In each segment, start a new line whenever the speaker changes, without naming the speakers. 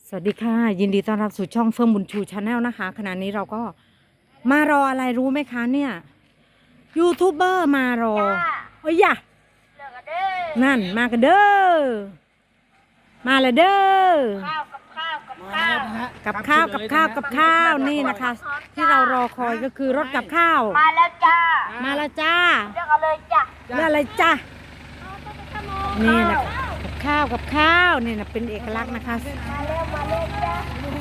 สวัสดีค่ะยินดีต้อนรับสู่ช่องเฟิร์มบุญชูชาแนลนะคะขณะนี้เราก็มารออะไรรู้ไหมคะเนี่ยยูทูบเบอร์มารอโอ้ยอย่านั่นมากันเด้อมาเลยเด้อกับข้าวนี่นะคะ ที่เรารอคอยก็คือรถกับข้าว
มาแล้วจ้า
มาแล้วจ้า
เลือกเอาเลยจ้า
เลือกอะไรจ้านี่นะคะกับข้าวนี่นะเป็นเอกลักษณ์นะคะ
มาเร็วจ้า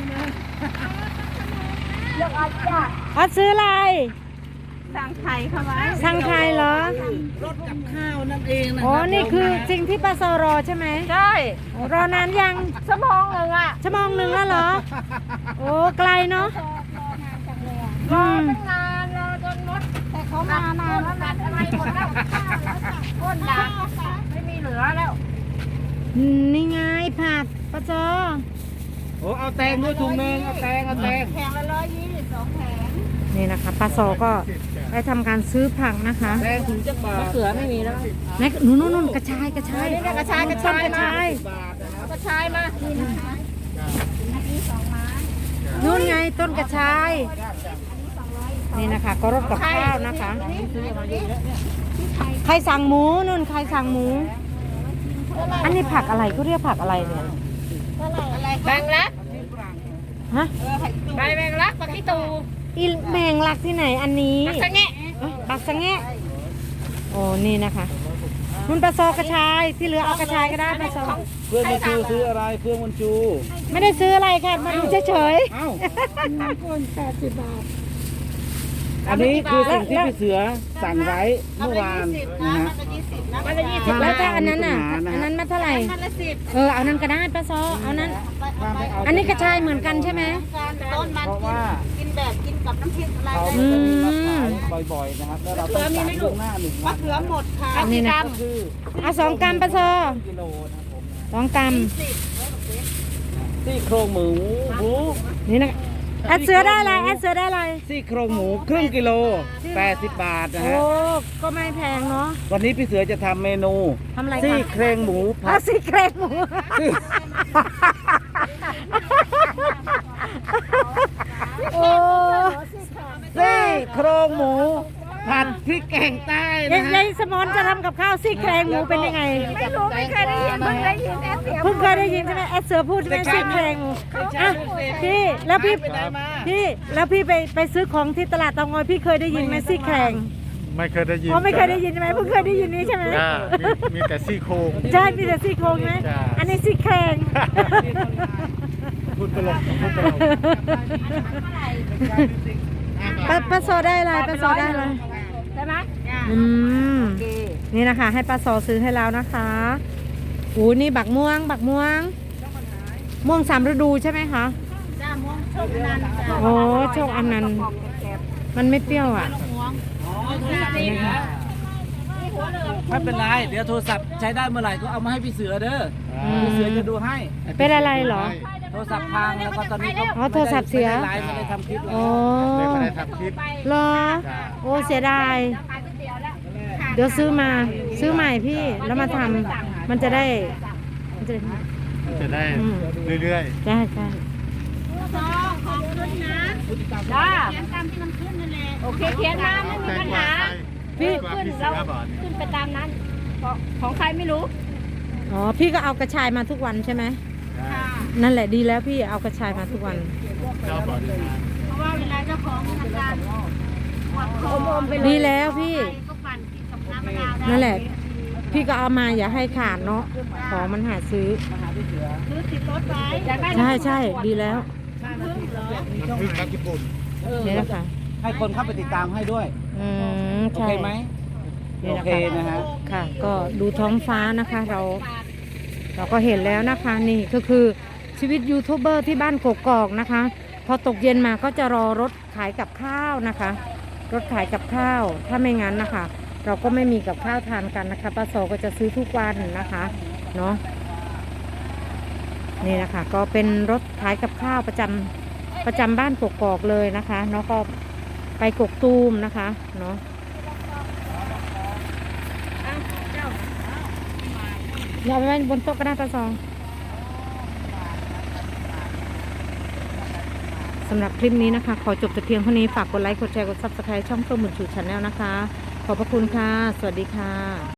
เลือกเอาจ้า
อ๋อซื้ออะไร
สั่งไข่เข้ามา
สั่งไข่เหรอ
รถกับข้าวนั่นเองนะ
อ๋อนี่คือสิ่งที่ป้าโซรอใช่ไหม
ใช่
รอนานยัง
ชั่วโมงหนึ่งอ่ะ
ชั่วโมงหนึ่งแล้วเหรอโอ้ไกลเนาะ
รอตั้งนานรอจนมดแต่เขามานานแล้วนะอะไรหมดแล้วก้นด่าไม่มีเหลือแล้ว
นี่ไงผักป้าโซ
โอ้เอาแตงด้วยถุงนึงเอาแตง
แผงละ122แผง
นี่นะคะป้าโซก็ได้ทำการซื้อผักนะคะ
แตงถุงจักบาทมะเขือไม่มีแล้ว
ไหนนู่นกระชาย
กระชายมากระชายมานี่นะคะนี่2 ไม้
นู่นไงต้นกระชายนี่นะคะก็รสกับข้าวนะคะใครสั่งหมูนู่นใครสั่งหมูอันนี้ผักอะไรก็เรียกผักอะไรเนี่ย
แมงลัก
ฮะ
ใบแมงลักปักที่ตู
อีแมงลักที่ไหนอันนี้
ปักสะแงะ
ปักสะแงะโอ้นี่นะคะมันปลาซอกระชายที่เหลือเอากระชายก็ได้ปลาซอ
เพื่อนมันจูซื้ออะไรเพื่อนมันจู
ไม่ได้ซื้ออะไรค่ะมาดูเฉย
ๆคน80 บาทอันนี้คือสิ่งที่พี่เสือสั่งไว้เมื่อวานนะฮะ
มันละ20
แล้วถ้าอันนั้นน่ะอันนั้นมาเท่าไหร่
มันละ10
เอานั้นก็ได้ป้าซอเอานั้นอันนี้กระชายเหมือนกันใช่ไหม
ต้นมันกินแบบกินกับน้ำพริกอะไร
เขาจะมีมาขายบ่อยๆนะครับแล้วเราต้องสั่งล่วงหน้า1 วัน
มะเขือหมดค่ะ
นี่นะเอา2 กรัมป้าซอ
กิโลนะผม
2 กรัม
ซี่โครงหมู
นี่นะแอดเสือได้อะไร
ซี่โครงหมูครึ่งกิโล80 บาทนะฮะ
โอ้ก็ไม่แพงเนาะ
วันนี้พี่เสือจะทำเมนู
ทำอะไร
ซี่โครงหมูผัด
ซี่โครงหมูโอ้
ซี่โครงหมูผัดพริกแกงใต้นะฮะ
ยายสมอนจะทำกับข้าวซี่โครงหมูเป็นยังไง
ไม่รู้ไม่เคยได้ยินเพิ่งได้ยิน
เพิ่งเคยได้ยินใช่ไหมแอดเสือพูดใช่ไหมซี่โครงหมูพี่แล้วพี่ไปซื้อของที่ตลาดเตางอยพี่เคยได้ยินไหมซี่โครง
ไม่เคยได้ยิน
ไม่เคยได้ยินใช่ไหมเพิ่งเคยได้ยินนี้ใช่ไหม
มีแต่ซี่โครง
ใช่มีแต่ซี่โครงไหมอันนี้ซี่โครง
พูดตลก
ป้าโซได้อะไรป้าโซได้อะไร
ใช่ไหม
นี่นะคะให้ป้าโซซื้อให้แล้วนะคะนี่บักม่วง3 ฤดูใช่ไหมคะ
จ้าม่วงโชคอนันต์
โอ้โชคอนันต์มันไม่เปรี้ยวอ่ะ
ไม่เป็นไรเดี๋ยวโทรศัพท์ใช้ได้เมื่อไหร่ก็เอามาให้พี่เสือเด้อพี่เสือจะดูให้
เป็นอะไรเหรอ
โทรศัพท์พังแล้วก็ตอนนี้ก็
โทรศัพท์เสีย
ไม่ได้ทำคลิป
ไม่ได้ทำคลิป
เหรอโอ้เสียดายเดี๋ยวซื้อใหม่พี่แล้วมาทำมันจะได้
เรื่อย
ๆใช่
ของขึ้นนะจ้าเขียนตามที่มันขึ้นนั่นแหละโอเคเขียนมาไม่มีปัญหา
พี่
ขึ้นเราขึ้นไปตามนั้นของใครไม่รู้
อ๋อพี่ก็เอากระชายมาทุกวันใช่ไหมนั่นแหละดีแล้วพี่เอากระชายมาทุกวัน
เพราะว่าเวลาเจ้าของธนาคาร
ดีแล้วพี่นั่นแหละพี่ก็เอามาอย่าให้ขาดเนาะของมันหาซื้อ
ติดรถไ
ว้ใช่ดีแล้ว
พึ่งนักญี่ปุ่น
นี่แหละค่ะ
ให้คนเข้าไปติดตามให้ด้วยโอเคไหมโอเคนะฮะ
ค่ะก็ดูท้องฟ้านะคะเราก็เห็นแล้วนะคะนี่ก็คือชีวิตยูทูบเบอร์ที่บ้านกกอกนะคะพอตกเย็นมาก็จะรอรถขายกับข้าวนะคะรถขายกับข้าวถ้าไม่งั้นนะคะเราก็ไม่มีกับข้าวทานกันนะคะป้าโซก็จะซื้อทุกวันนะคะเนาะนี่นะคะก็เป็นรถขายกับข้าวประจำบ้านกกอกเลยนะคะเนาะก็ไปกกตูมนะคะเนาะอย่าไปไว้บนโต๊ะก็ได้ป้าโซสำหรับคลิปนี้นะคะ ขอจบแต่เพียงเท่านี้ ฝากกดไลค์ กดแชร์ กด Subscribe ช่องเพิ่มบุญชูชาแนลนะคะ ขอบพระคุณค่ะ สวัสดีค่ะ